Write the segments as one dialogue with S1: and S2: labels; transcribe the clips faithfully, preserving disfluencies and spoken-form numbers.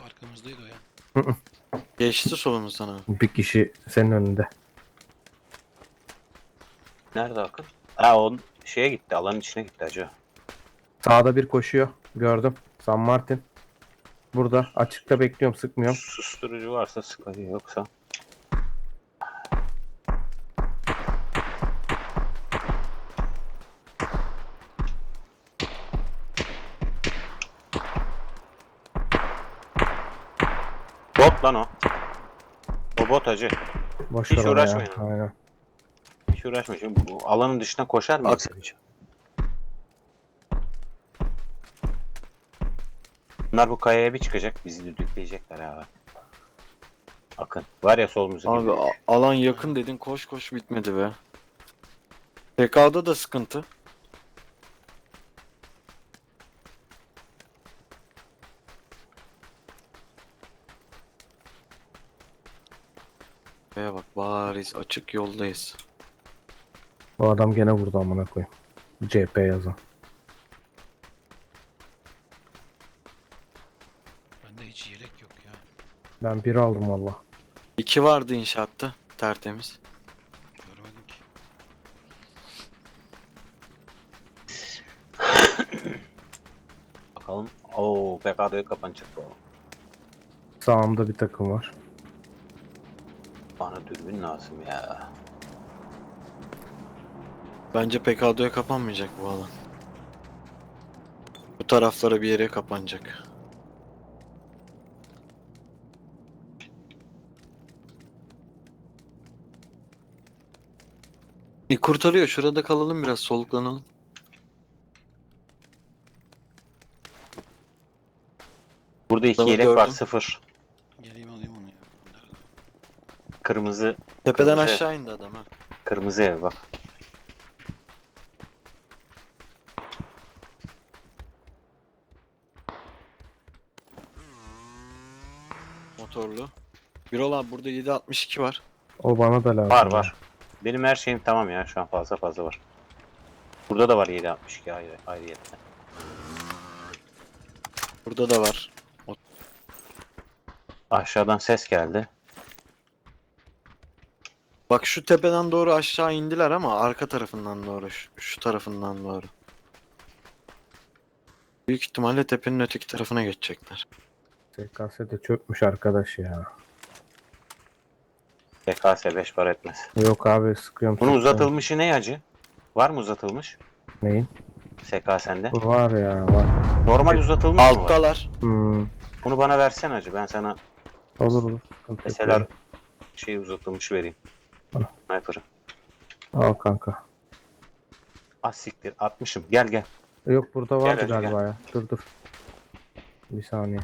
S1: Arkamızdaydı o ya.
S2: Hı hı.
S3: Geçti solumuzdan abi.
S2: Bir kişi senin önünde.
S4: Nerede Akın? Ha o şeye gitti. Alanın içine gitti acı.
S2: Sağda bir koşuyor. Gördüm. San Martin. Burada. Açıkta bekliyorum. Sıkmıyorum.
S4: Susturucu varsa sıkıntı yoksa. Bot lan o. O bot acı.
S2: Boş
S4: Hiç
S2: ver ona
S4: uğraşmayın.
S2: ya. Aynen.
S4: Hiç uğraşma. Şimdi bu alanın dışına koşar mı?
S3: At.
S4: Bunlar bu kayaya bir çıkacak. Bizi düdükleyecekler abi. Akın. Var ya solumuzu
S3: Abi
S4: gibi.
S3: a- alan yakın dedin, koş koş bitmedi be. P K'da da sıkıntı. Şuraya bak, bariz açık yoldayız.
S2: Bu adam gene vurdu amına koyayım. C P yazan.
S1: Bende hiç yelek yok ya.
S2: Ben bir aldım valla.
S3: İki vardı inşaatta, tertemiz.
S1: Görmedim ki.
S4: Bakalım. Oo P K D'ye kapanacak bu.
S2: Sağımda bir takım var.
S4: Bana dürbün lazım ya.
S3: Bence P K D'ye kapanmayacak bu alan. Bu taraflara bir yere kapanacak. E, kurtarıyor. Şurada kalalım, biraz soluklanalım.
S4: Burada iki
S3: Tamam,
S4: yelek var,
S3: gördüm.
S4: sıfır.
S1: Geleyim alayım onu ya. Nerede?
S4: Kırmızı,
S3: Tepeden
S4: Kırmızı.
S3: aşağı indi adam ha.
S4: kırmızı ev bak.
S3: Motorlu. Birol abi, burada yedi altmış iki var.
S2: O bana da lazım.
S4: Var
S2: ya.
S4: var. Benim her şeyim tamam ya, şu an fazla fazla var. Burada da var yedi altmış iki ayrı, ayrıyetten.
S3: Burada da var.
S4: Aşağıdan ses geldi.
S3: Bak şu tepeden doğru aşağı indiler ama arka tarafından doğru. Şu, şu tarafından doğru. Büyük ihtimalle tepenin öteki tarafına geçecekler.
S2: S K S de çökmüş arkadaş ya.
S4: P K S beş para etmez.
S2: Yok abi sıkıyorum.
S4: Bunun
S2: sıkıyorum.
S4: uzatılmışı ne acı? Var mı uzatılmış?
S2: Neyin?
S4: S K S'nde.
S2: Var ya var.
S4: Normal uzatılmış mı var?
S3: Alttalar.
S2: Hmm.
S4: Bunu bana versen acı, ben sana
S2: Olur olur. Sıkıntı yok
S4: mesela
S2: ya.
S4: şey uzatılmış vereyim.
S2: Al.
S4: Sniper'ı.
S2: Al kanka.
S4: Az siktir atmışım. Gel gel.
S2: Yok burada vardı
S4: hadi
S2: galiba ya. Dur dur. Bir saniye.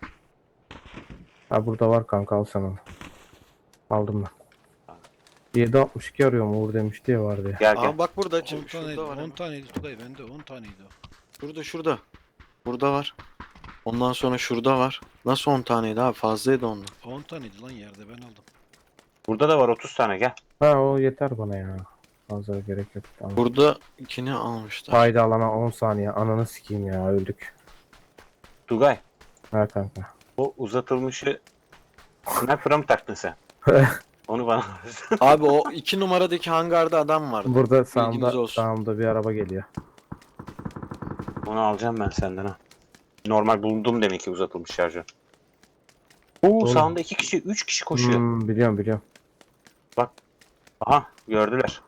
S2: Ha burada var kanka, al sen onu. Aldım ben. yedi altmış iki arıyorum Uğur demişti ya, vardı ya.
S4: Gel gel.
S3: Aa bak burada.
S1: on
S3: Şurada
S1: taneydi,
S3: var.
S1: on
S3: hemen.
S1: taneydi Tugay, bende on taneydi o.
S3: Şurada şurada. Burada var. Ondan sonra şurada var. Nasıl on taneydi abi? Fazlaydı onlar.
S1: on taneydi lan yerde, ben aldım.
S4: Burada da var otuz tane, gel.
S2: Ha o yeter bana ya. Fazla gerek yok. Tamam.
S3: Burada ikini almışlar.
S2: Haydi alana on saniye. Ananı sikeyim ya, öldük.
S4: Tugay,
S2: Ha kanka.
S4: o uzatılmışı sniper'a mı taktın sen? Onu bana ver.
S3: Abi o iki numaradaki hangarda adam vardı.
S2: Burada
S3: Bilginiz
S2: sağımda,
S3: olsun.
S2: sağımda bir araba geliyor.
S4: Onu alacağım ben senden ha. Normal bulundum demek ki uzatılmış şarjör. Oo
S2: Oğlum.
S4: sağında iki kişi, üç kişi koşuyor.
S2: Hmm, biliyorum biliyorum.
S4: Aha gördüler.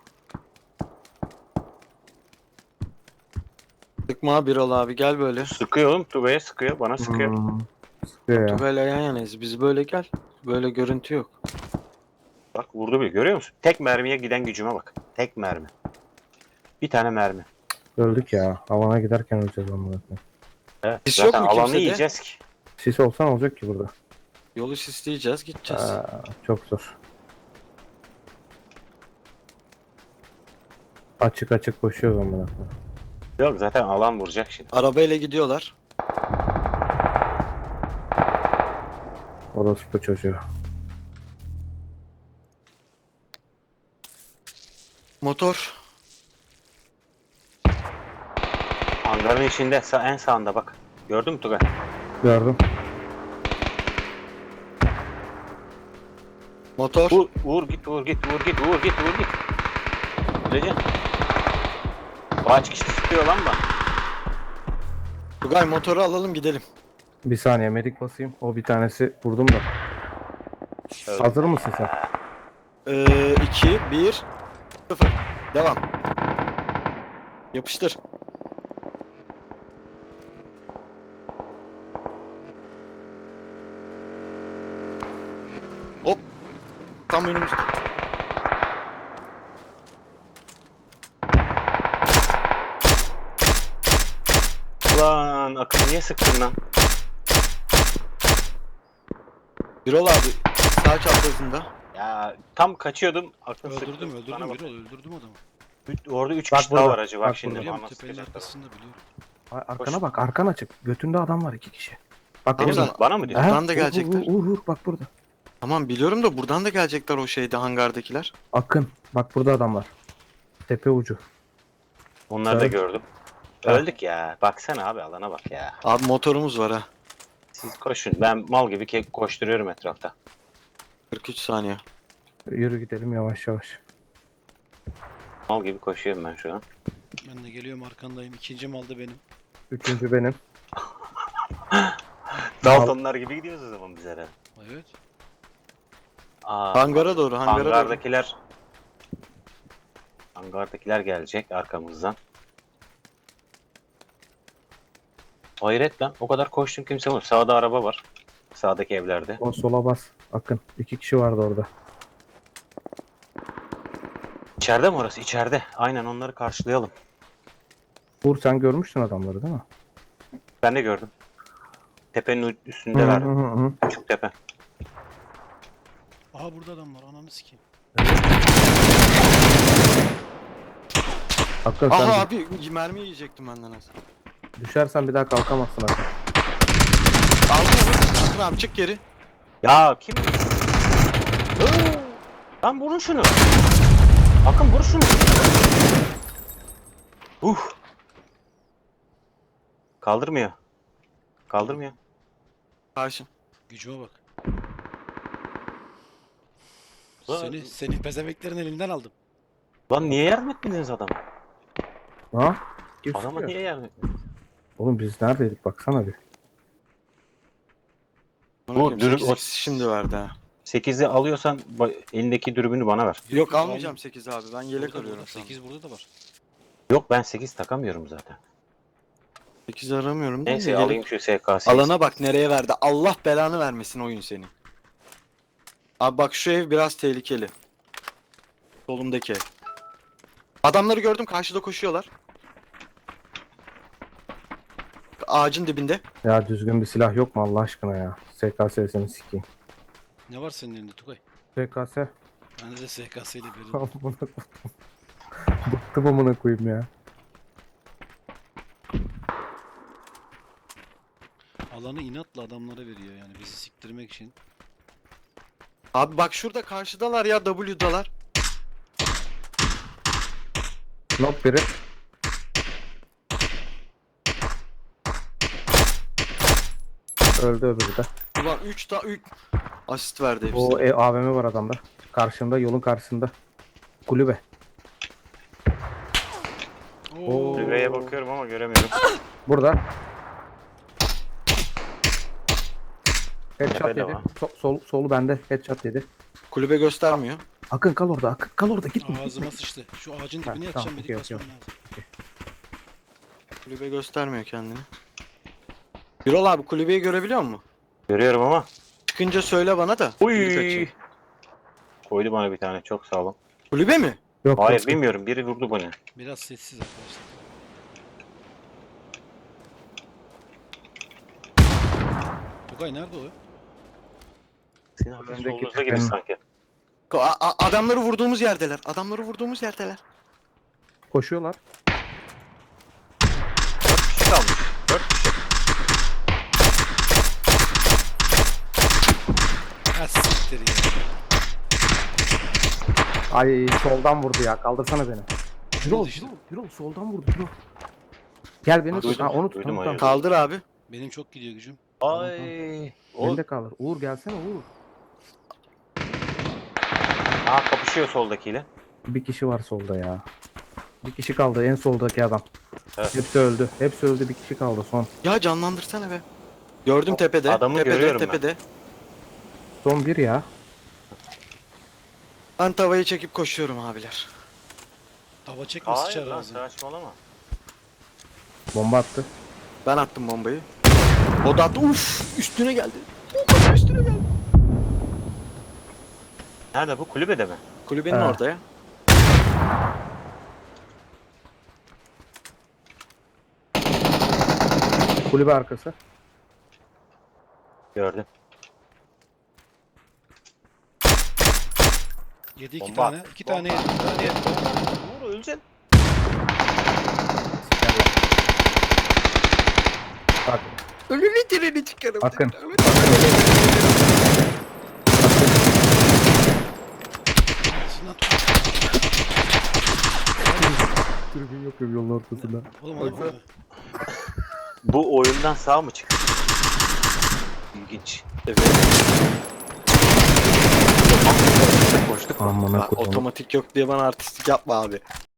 S3: Sıkma Birol abi, gel böyle.
S4: Sıkıyor oğlum, Tugay'a sıkıyor, bana sıkıyor.
S2: Hmm. Sıkıyor ya.
S3: Tugay'la yan yanayız. Biz böyle gel. Böyle görüntü yok.
S4: Bak vurdu bir, görüyor musun? Tek mermiye giden gücüme bak. Tek mermi. Bir tane mermi.
S2: Öldük ya. Havana giderken öleceğiz amına koyayım.
S4: Evet.
S3: Sis
S4: Zaten
S3: yok mu
S4: alanı
S3: kimsede?
S4: yiyeceğiz ki.
S2: Sis olsan olacak ki burada.
S3: Yolu sisleyeceğiz, gideceğiz.
S2: Aa, çok zor. Açık açık koşuyoruz amına koyayım.
S4: Yok zaten alan vuracak şimdi.
S3: Arabayla gidiyorlar.
S2: Orospu çocuğu.
S3: Motor.
S4: Hangarın içinde, sağ, en sağında bak. Gördün mü Tugay?
S2: Gördüm.
S3: Motor.
S4: Uğur, Uğur git, Uğur git, Uğur git, Uğur git, Uğur git. Öleceksin. Kaç kişi sıkıyor lan bak.
S3: Tugay motoru alalım gidelim.
S2: Bir saniye medik basayım. O bir tanesi vurdum da.
S4: Öldü.
S2: Hazır mısın sen?
S3: Ee, iki, bir, sıfır. Devam. Yapıştır. Hop. Tam önümüzde.
S4: Lan Akın niye sıktın lan?
S3: Birol abi sağ çaprazında.
S4: Ya tam kaçıyordum. Akın
S1: Öldürdüm
S4: sıktı.
S1: öldürdüm
S4: Bana bak.
S1: Birol öldürdüm adamı.
S4: Üç- Orada üç
S2: Bak
S4: kişi daha
S2: burada,
S4: var acı. Bak,
S2: bak
S4: şimdi.
S2: burada.
S1: Biliyorum
S4: Mama
S1: tepenin
S4: sıkacaklar.
S1: arkasında biliyorum.
S2: Ay, arkana bak, arkan açık. Götünde adam var iki kişi. Bak
S3: Tamam,
S2: burada.
S3: sen-
S4: Bana mı diyor?
S3: Buradan
S2: Aha,
S3: da
S2: Uğur,
S3: gelecekler.
S2: Uğur, Uğur, Uğur, bak burada.
S3: Tamam biliyorum da buradan da gelecekler o şeyde hangardakiler.
S2: Akın. Bak burada adam var. Tepe ucu.
S4: Onları da
S2: Evet.
S4: gördüm.
S2: Ha.
S4: Öldük ya. Baksana abi alana bak ya.
S3: Abi motorumuz var ha.
S4: Siz koşun. Ben mal gibi ke- koşturuyorum etrafta.
S3: kırk üç saniye.
S2: Yürü gidelim yavaş yavaş.
S4: Mal gibi koşuyorum ben şu an.
S1: Ben de geliyorum arkandayım. İkinci mal da benim.
S2: Üçüncü benim.
S4: Daltonlar gibi gidiyoruz o zaman biz herhalde.
S1: Evet.
S4: Aa,
S3: Hangara doğru, hangara doğru.
S4: hangardakiler hangardakiler gelecek arkamızdan. Hayret lan. O kadar koştum kimse yok. Sağda araba var. Sağdaki evlerde.
S2: O sola bas. Akın. İki kişi vardı orada.
S4: İçeride mi orası? İçeride. Aynen onları karşılayalım.
S2: Uğur sen görmüştün adamları değil mi?
S4: Ben de gördüm. Tepenin
S2: Hı
S4: üstündeler.
S2: hı hı hı.
S4: Küçük tepe.
S1: Aha burada adam var. Ananı sikeyim.
S2: Akın sen
S3: Aha
S2: dü-
S3: abi mermi yiyecektim benden az.
S2: düşersen bir daha kalkamazsın Akın.
S3: Aldım onu. Akın abi çık geri.
S4: Ya kim? Oo! Lan vurun şunu. Akın vur şunu. Uh. Kaldırmıyor. Kaldırmıyor.
S3: Karşı.
S1: Gücüme bak.
S4: Lan-
S1: Seni, seni pezemeklerin elinden aldım.
S4: Lan niye yardım etmediniz adama?
S2: Ha? Kim
S4: Adama
S2: sıkıyor?
S4: niye yardım etmediniz?
S2: Oğlum biz neredeydik baksana bir.
S3: Bu
S4: dürüm-
S3: şimdi verdi ha.
S4: sekizi alıyorsan ba- elindeki dürbünü bana ver.
S3: Yok almayacağım sekiz abi. Ben yelek
S1: Burada,
S3: arıyorum
S1: burada.
S3: şu an.
S1: sekiz burada da var.
S4: Yok ben sekiz takamıyorum zaten.
S3: sekiz aramıyorum. da
S4: Neyse
S3: yelek-
S4: alayım şu S K sekiz.
S3: Alana bak nereye verdi. Allah belanı vermesin oyun seni. Abi bak şu ev biraz tehlikeli. Solumdaki ev. Adamları gördüm karşıda koşuyorlar. Ağacın dibinde.
S2: Ya düzgün bir silah yok mu Allah aşkına ya? S K S'sini sikeyim.
S1: Ne var senin elinde Tugay?
S2: S K S.
S1: Bende de S K S'li biri.
S2: Amına koyayım. Bıktım amına koyayım ya.
S1: Alanı inatla adamlara veriyor yani bizi siktirmek için.
S3: Abi bak şurada karşıdalar ya W'dalar.
S2: Nok biri. Öldü öbürü de.
S3: Ulan üç ta üç asist verdi hepsi.
S2: O e, A V M var adamda. Karşında yolun karşısında. Kulübe. Oo.
S4: Kulübeye bakıyorum ama göremiyorum.
S2: Burada. Headshot
S4: Tepede
S2: yedi.
S4: var.
S2: So- sol, solu bende. Headshot yedi.
S3: Kulübe göstermiyor.
S2: Akın kal orada. Akın kal orada. Gitme.
S1: Ağzıma sıçtı. Şu ağacın
S2: Ha,
S1: dibine
S2: tamam,
S1: yatacağım
S2: okey,
S1: medik
S2: okey,
S1: basmam lazım.
S3: Kulübe göstermiyor kendini. Birol abi kulübeyi görebiliyor musun?
S4: Görüyorum ama.
S3: Çıkınca söyle bana da. Kulübe
S4: Uy.
S3: kaçayım.
S4: Koydu bana bir tane çok sağ olun.
S3: Kulübe mi?
S2: Yok.
S4: Hayır
S2: yok.
S4: bilmiyorum biri vurdu bana.
S1: Biraz sessiz arkadaşlar. Tugay nerede o?
S4: Sizin hafif
S2: Öndeki
S4: solunuzda gibi
S2: tepenin-
S4: sanki.
S3: Ko- a- a- adamları vurduğumuz yerdeler. Adamları vurduğumuz yerdeler.
S2: Koşuyorlar.
S4: Dört kişi kalmış. Dört kişi.
S1: Ha siktir ya.
S2: Ay soldan vurdu ya. Kaldırsana beni. Birol,
S1: işte.
S2: Birol, Birol soldan vurdu. Birol. Gel beni tut.
S4: Duydum,
S2: Ha, onu tut.
S4: duydum
S2: Tamam,
S4: ayağı.
S2: tamam.
S3: Kaldır abi.
S1: Benim çok gidiyor gücüm.
S4: Ay. O
S2: Beni de kaldır. Uğur gelsene Uğur.
S4: Aa kapışıyor soldakiyle.
S2: Bir kişi var solda ya. Bir kişi kaldı en soldaki adam.
S4: Evet.
S2: Hepsi öldü. Hepsi öldü, bir kişi kaldı son.
S3: Ya canlandırsana be. Gördüm tepede.
S4: Adamı
S3: tepede,
S4: görüyorum ben.
S3: tepede.
S2: Son bir ya.
S3: Ben tavayı çekip koşuyorum abiler.
S1: Tava çekme
S4: Hayır
S1: sıçar
S4: lan
S1: ağzına.
S4: saçmalama.
S2: Bomba attı.
S3: Ben attım bombayı. O da attı. Uf, üstüne geldi. Bomba üstüne geldi.
S4: Nerede bu? Kulübede mi?
S3: Kulübenin
S2: Ha.
S3: orada ya.
S2: Kulübe arkası.
S4: Gördüm.
S1: Yedi iki
S4: Bomba.
S1: tane. iki tane yedi. iki tane yedi.
S4: Vur öleceksin.
S2: Bak.
S3: Ölünü direni çıkarım.
S2: Akın.
S1: Sinan tut.
S2: Tribün yok ya yolun ortasında.
S1: Oğlum adam orada.
S4: Bu oyundan sağ mı çıktı? İlginç.
S3: Evet.
S4: Koştuk mu?
S2: Amına
S3: Bak,
S2: koyayım.
S3: otomatik yok diye bana artistlik yapma abi.